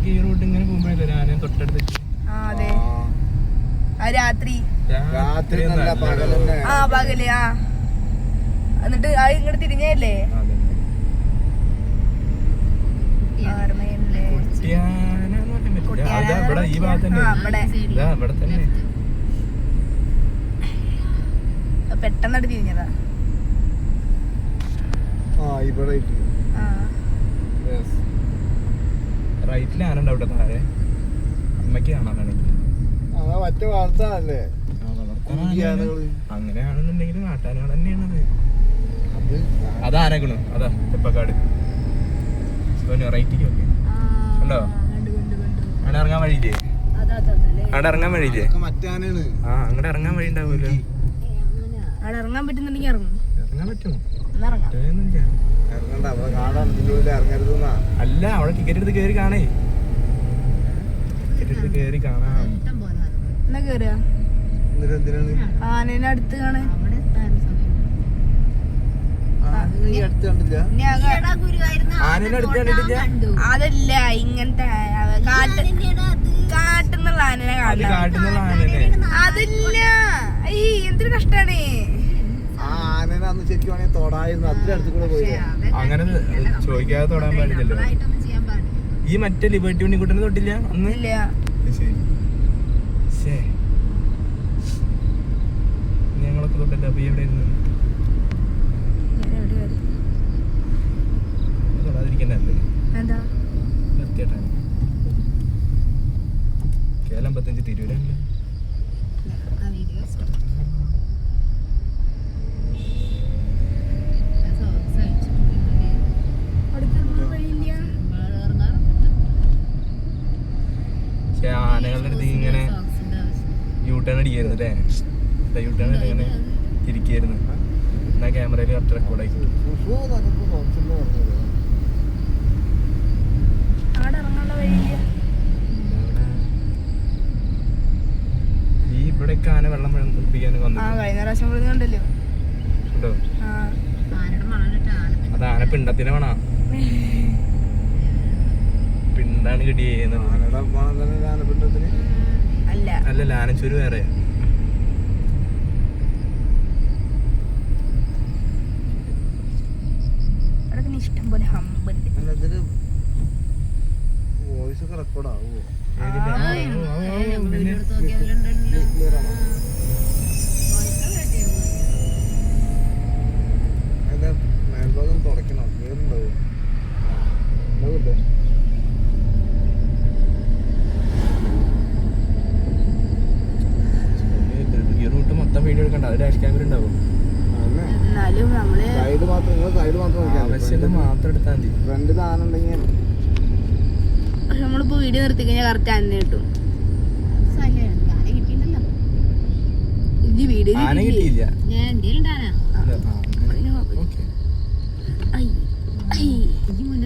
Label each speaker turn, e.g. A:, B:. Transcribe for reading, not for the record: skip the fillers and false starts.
A: ഈ റൂട്ട് ഇങ്ങനെ പോകുമ്പോഴല്ലേ ആന തൊട്ടടുത്ത്
B: രാത്രി
C: പകല്
B: എന്നിട്ട് ആ ഇങ്ങോട്ട് തിരിഞ്ഞല്ലേ
A: ഈ ഭാഗത്ത് തന്നെ
B: പെട്ടെന്നായിട്ട് തിരിഞ്ഞതാ.
A: റൈറ്റിൽ ആന ഉണ്ടാവട്ടെ താഴെ അമ്മയ്ക്ക് കാണാനാണെങ്കിൽ
C: മറ്റേ വളർത്താനല്ലേ
A: അങ്ങനെയാണെന്നുണ്ടെങ്കിൽ നാട്ടാനാണ് തന്നെയാണത്. അത് ആനക്കണു അതാ തെപ്പക്കാട് റൈറ്റിക്ക് ഒക്കെ ഉണ്ടോ? അവിടെ ഇറങ്ങാൻ വഴിയില്ലേ? അവിടെ ഇറങ്ങാൻ വഴിയില്ലേ? ആ അങ്ങോട്ട് ഇറങ്ങാൻ വഴി ഉണ്ടാവുമല്ലോ.
B: അവിടെ ഇറങ്ങാൻ പറ്റുന്നുണ്ടെങ്കിൽ ഇറങ്ങും.
A: ഇറങ്ങാൻ പറ്റുമോ? അല്ല അവിടെ ടിക്കറ്റ് എടുത്ത് കേറി കാണേ. ടിക്കറ്റ് എടുത്ത് കേറി കാണാം.
B: എന്നാ കേറുക ആനേനെ അടുത്ത് കാണാൻ.
A: ആനേനെ അടുത്ത് കണ്ടിട്ടില്ല.
B: അതല്ല ഇങ്ങനത്തെ കാട്ടുന്നുള്ള ആനനെ
A: കാട്ടുന്നുള്ള ആനനെ
B: അതല്ല. എന്തൊരു കഷ്ടാണ്.
A: അങ്ങനെ ചോദിക്കാതെ തൊടാൻ പാടില്ലല്ലോ. ഈ മറ്റേ ലിബർട്ടി ഉണ്ണിക്കുട്ടനെ തൊട്ടില്ല അന്ന്? ഞങ്ങളൊക്കെ തൊട്ടല്ലോ. അപ്പൊ എവിടെ ഇരുന്നു തൊടാതിരിക്കണ്ടേ? നിർത്തിയിട്ടാണ് കേരളം 55 തിരൂരല്ലേ. പക്ഷെ ആനകളുടെ അടുത്ത് ഇങ്ങനെ യൂട്ടേൺ അടിക്കായിരുന്നു അല്ലേ? യൂട്ടേൺ ഇങ്ങനെ തിരിക്കായിരുന്നു. എന്നാ ക്യാമറയിൽ കറക്റ്റ് റെക്കോർഡായി കിട്ടും. ഈ ഇവിടെയൊക്കെ ആന വെള്ളം കുടിപ്പിക്കാൻ
B: വന്നിട്ടുണ്ടല്ലോ.
A: അത് ആന പിണ്ടത്തിന് വേണ പിണ്ടാണ് കിട്ടിയത്. അല്ലല്ല ആനച്ചൂര് വേറെ.
B: ഇഷ്ടം പോലെ
C: മേൽഭാഗം തുടയ്ക്കണം. വേറുണ്ടാവും ഉണ്ടാവില്ലേ?
A: ഈ റൂട്ട് മൊത്തം വീഡിയോ എടുക്കണ്ട. അത് ഡാഷ് ക്യാമറ ഉണ്ടാവും. ആവശ്യം മാത്രം എടുത്താൽ മതി.
C: ഫ്രണ്ടിൽ ആന ഉണ്ടെങ്കിൽ
B: നമ്മളിപ്പോ വീഡിയോ നിർത്തി കഴിഞ്ഞാൽ കറക്റ്റ് ആന കിട്ടും.
A: ആന കിട്ടിയില്ല.
B: ഞാൻ